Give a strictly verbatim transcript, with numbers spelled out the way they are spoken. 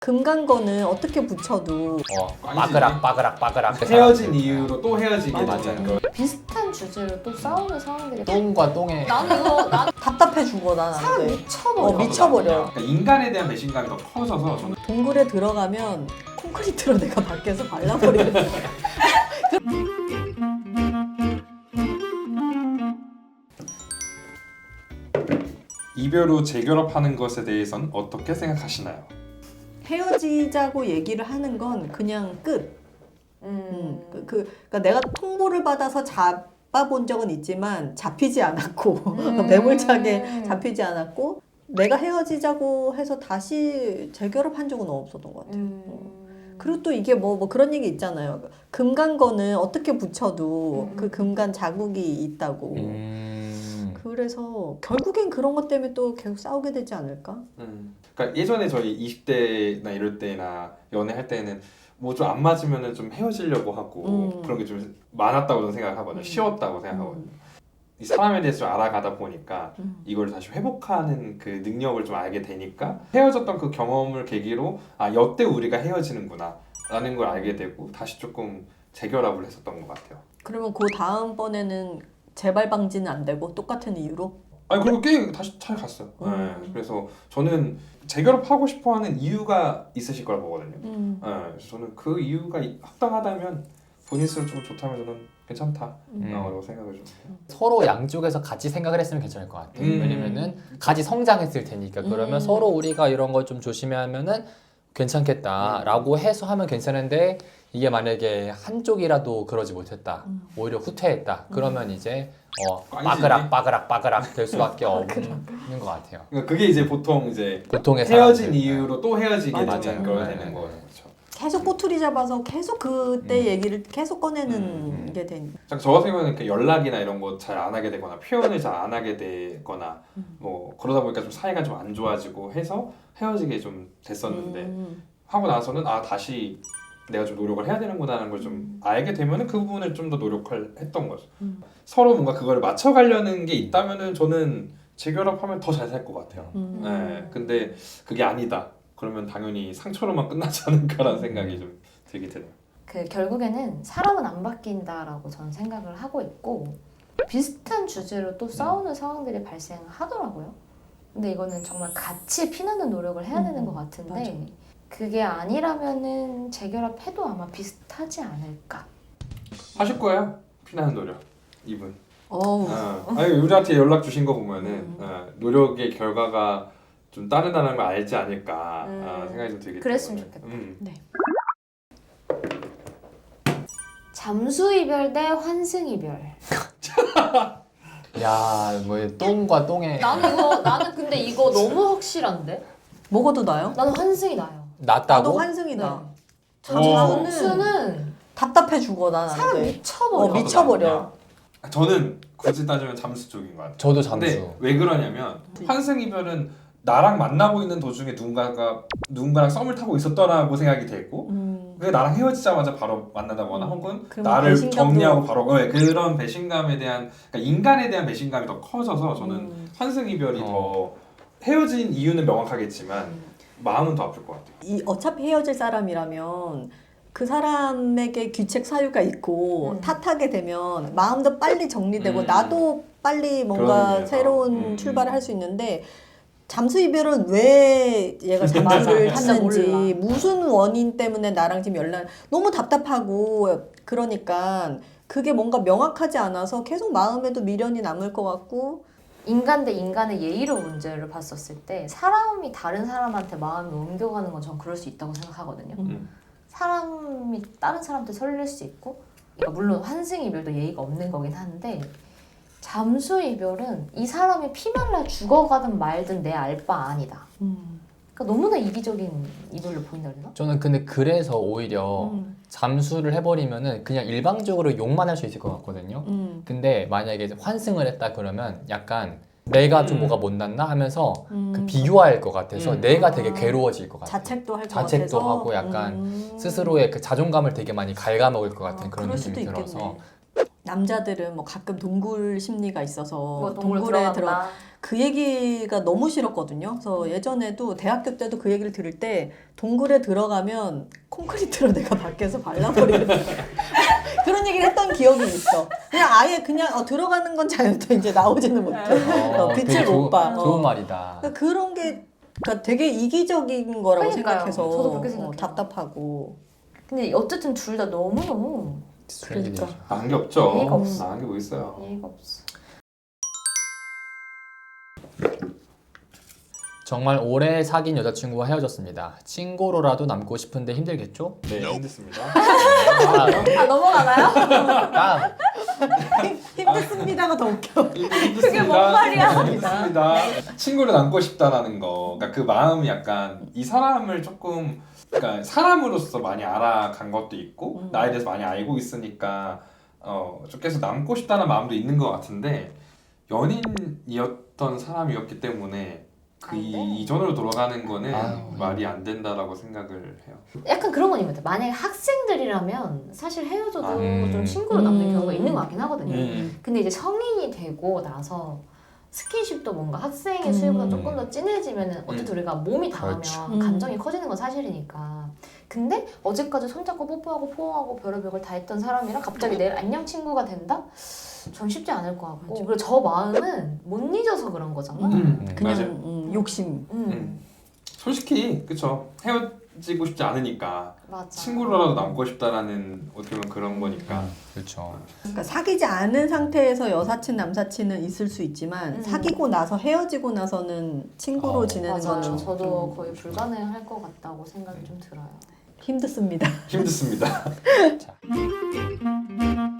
금간 거는 어떻게 붙여도 어, 빠그락 빠그락 빠그락 헤어진 이유로 또 헤어지게 맞아. 되는 거. 비슷한 주제로 또 싸우는 상황들이 똥과 똥의 나는 이거 나는 답답해 죽어 난 안 사람 돼. 미쳐버려. 어, 미쳐버려. 그러니까 인간에 대한 배신감이 더 커져서 저는 동굴에 들어가면 콘크리트로 내가 밖에서 발라버리는 이별 후 재결합하는 것에 대해선 어떻게 생각하시나요? 헤어지자고 얘기를 하는 건 그냥 끝. 음, 음. 그, 그, 그러니까 내가 통보를 받아서 잡아본 적은 있지만 잡히지 않았고 음. 매몰차게 잡히지 않았고 내가 헤어지자고 해서 다시 재결합한 적은 없었던 것 같아요. 음. 그리고 또 이게 뭐, 뭐 그런 얘기 있잖아요. 금간 거는 어떻게 붙여도 음. 그 금간 자국이 있다고. 음... 그래서 결국엔 그런 것 때문에 또 계속 싸우게 되지 않을까? 음. 그러니까 예전에 저희 이십 대나 이럴 때나 연애할 때는 뭐 좀 안 맞으면은 좀 헤어지려고 하고 음. 그런 게 좀 많았다고 저는 생각하거든요. 음. 쉬웠다고 생각하거든요. 음. 이 사람에 대해서 좀 알아가다 보니까 음. 이걸 다시 회복하는 그 능력을 좀 알게 되니까 헤어졌던 그 경험을 계기로 아 여태 우리가 헤어지는구나 라는 걸 알게 되고 다시 조금 재결합을 했었던 것 같아요. 그러면 그 다음번에는 재발 방지는 안 되고 똑같은 이유로? 아니 그리고 꽤 다시 잘 갔어요. 음. 네, 그래서 저는 재결합하고 싶어하는 이유가 있으실 거라 보거든요. 음. 네, 그래서 저는 그 이유가 이- 합당하다면 본인 스스로 좀 좋다면 저는 괜찮다 음. 라고 생각을 좀 해요. 서로 양쪽에서 같이 생각을 했으면 괜찮을 것 같아요. 음. 왜냐면은 같이 성장했을 테니까 그러면 음. 서로 우리가 이런 걸 좀 조심하면은 괜찮겠다라고 해서 하면 괜찮은데 이게 만약에 한쪽이라도 그러지 못했다 음. 오히려 후퇴했다 그러면 이제 어, 꽝이지. 빠그락 빠그락 빠그락 될 수밖에 없는 것 같아요. 그러니까 그게 이제 보통 이제 보통의 헤어진 사람들. 이유로 또 헤어지게 맞아요. 되는 걸 네, 되는 네, 거예요. 네. 그렇죠. 계속 꼬투리 잡아서 계속 그때 음. 얘기를 계속 꺼내는 음. 게 되니까. 저 같은 경우는 이렇게 연락이나 이런 거 잘 안 하게 되거나 표현을 잘 안 하게 되거나 음. 뭐 그러다 보니까 좀 사이가 좀 안 좋아지고 해서 헤어지게 좀 됐었는데 음. 하고 나서는 아 다시 내가 좀 노력을 해야 되는구나라는 걸 좀 알게 되면은 그 부분을 좀 더 노력을 했던 거죠. 음. 서로 뭔가 그걸 맞춰가려는 게 있다면은 저는 재결합하면 더 잘 살 것 같아요. 음. 네, 근데 그게 아니다. 그러면 당연히 상처로만 끝나지 않을까라는 생각이 좀 들게 되네요. 그 결국에는 사람은 안 바뀐다라고 저는 생각을 하고 있고 비슷한 주제로 또 싸우는 상황들이 발생하더라고요. 근데 이거는 정말 같이 피나는 노력을 해야 되는 음, 것 같은데 맞아. 그게 아니라면은 재결합해도 아마 비슷하지 않을까. 하실 거예요? 피나는 노력 이분. 어우. 어. 아니 우리한테 연락 주신 거 보면은 음. 어, 노력의 결과가 좀 따르다는 걸 알지 않을까 음. 어, 생각이 좀 들게 그랬으면 되거든요. 좋겠다. 음. 네. 잠수 이별 대 환승 이별. 야, 뭐 똥과 똥의 나는 이거 나는 근데 이거 너무 확실한데? 먹어도 나요? 나는 환승이 나요. 나도 낫다고? 환승이다. 네. 잠수는 잠수는 답답해 죽어 난 안 사람 돼. 미쳐버려. 어, 미쳐버려. 저는 굳이 따지면 잠수 쪽인 것 같아요. 저도 잠수. 근데 왜 그러냐면 환승 이별은 나랑 만나고 있는 도중에 누군가가 누군가랑 썸을 타고 있었더라고 생각이 됐고 음. 왜 나랑 헤어지자마자 바로 만나다거나 음. 혹은 그러면 나를 배신감도- 정리하고 바로 네, 그런 배신감에 대한 그러니까 인간에 대한 배신감이 더 커져서 저는 음. 환승 이별이 어. 더 헤어진 이유는 명확하겠지만 마음은 더 아플 것 같아요. 이 어차피 헤어질 사람이라면 그 사람에게 귀책 사유가 있고 음. 탓하게 되면 마음도 빨리 정리되고 음. 나도 빨리 그런 뭔가 의미에서. 새로운 음. 출발을 할 수 있는데 잠수 이별은 왜 얘가 잠수를 진짜 탔는지 몰라. 무슨 원인 때문에 나랑 지금 연락 너무 답답하고 그러니까 그게 뭔가 명확하지 않아서 계속 마음에도 미련이 남을 것 같고 인간 대 인간의 예의로 문제를 봤었을 때 사람이 다른 사람한테 마음을 옮겨가는 건 전 그럴 수 있다고 생각하거든요. 음. 사람이 다른 사람한테 설렐 수 있고 그러니까 물론 환승 이별도 예의가 없는 거긴 한데 잠수 이별은 이 사람이 피말라 죽어가든 말든 내 알 바 아니다. 음. 그러니까 너무나 이기적인 이별로 보인다 그러나? 저는 근데 그래서 오히려 음. 잠수를 해버리면은 그냥 일방적으로 욕만 할 수 있을 것 같거든요. 음. 근데 만약에 이제 환승을 했다 그러면 약간 내가 좀 음. 뭐가 못났나 하면서 음. 그 비교할 것 같아서 음. 내가 되게 아. 괴로워질 것 같아요. 자책도 할 것 자책도 같아서 하고 약간 음. 스스로의 그 자존감을 되게 많이 갉아먹을 것 같은 아, 그런 그럴 느낌이 수도 들어서 있겠네. 남자들은 뭐 가끔 동굴 심리가 있어서 뭐 동물 동굴에 들어 들어간다. 그 얘기가 너무 싫었거든요. 그래서 예전에도 대학교 때도 그 얘기를 들을 때 동굴에 들어가면 콘크리트로 내가 밖에서 발라버리겠다. 그런 얘기를 했던 기억이 있어. 그냥 아예 그냥 어, 들어가는 건 자유다 이제 나오지는 못해. 어, 빛을 되게 못 좋- 봐. 좋은 어. 말이다. 그러니까 그런 게 그러니까 되게 이기적인 거라고 그러니까요. 생각해서 저도 그렇게 어, 생각해요. 답답하고. 근데 어쨌든 둘 다 너무너무 그러니까. 나은 게 없죠. 예의가 없어. 나은 게 뭐 있어요. 예의가 없어. 정말 오래 사귄 여자친구와 헤어졌습니다. 친구로라도 남고 싶은데 힘들겠죠? 네, 힘들습니다. 다음. 아 넘어가나요? 다음. 힘들습니다가 더 웃겨. 그게 뭔 말이야? 힘듭니다. 친구를 남고 싶다라는 거. 그러니까 그 마음이 약간 이 사람을 조금 그러니까 사람으로서 많이 알아간 것도 있고 음. 나에 대해서 많이 알고 있으니까 어, 좀 계속 남고 싶다는 마음도 있는 것 같은데 연인이었던 사람이었기 때문에 그 안 돼. 이- 이전으로 돌아가는 거는 아유. 말이 안 된다라고 생각을 해요. 약간 그런 건 있는 것 같아요. 만약에 학생들이라면 사실 헤어져도 아, 음. 좀 친구로 남는 음. 경우가 있는 것 같긴 하거든요. 음. 근데 이제 성인이 되고 나서 스킨십도 뭔가 학생의 수요보다 음. 조금 더 진해지면은 어쨌든 우리가 몸이 닿으면 그렇죠. 음. 감정이 커지는 건 사실이니까. 근데 어제까지 손잡고 뽀뽀하고 포옹하고 별의별 걸 다 했던 사람이랑 갑자기 내일 안녕 친구가 된다? 전 쉽지 않을 것 같고. 맞아. 그리고 저 마음은 못 잊어서 그런 거잖아. 음. 그냥 맞아요. 음, 욕심. 음. 음. 솔직히 그쵸 헤어지고 싶지 않으니까 맞아. 친구로라도 남고 싶다라는 어떻게 보면 그런 거니까 그렇죠. 그러니까 사귀지 않은 상태에서 여사친 남사친은 있을 수 있지만 음. 사귀고 나서 헤어지고 나서는 친구로 어, 지내는 맞아요. 거는 저도 음, 거의 불가능할 것 같다고 생각이 좀 들어요. 힘듭니다. 힘듭니다. 자.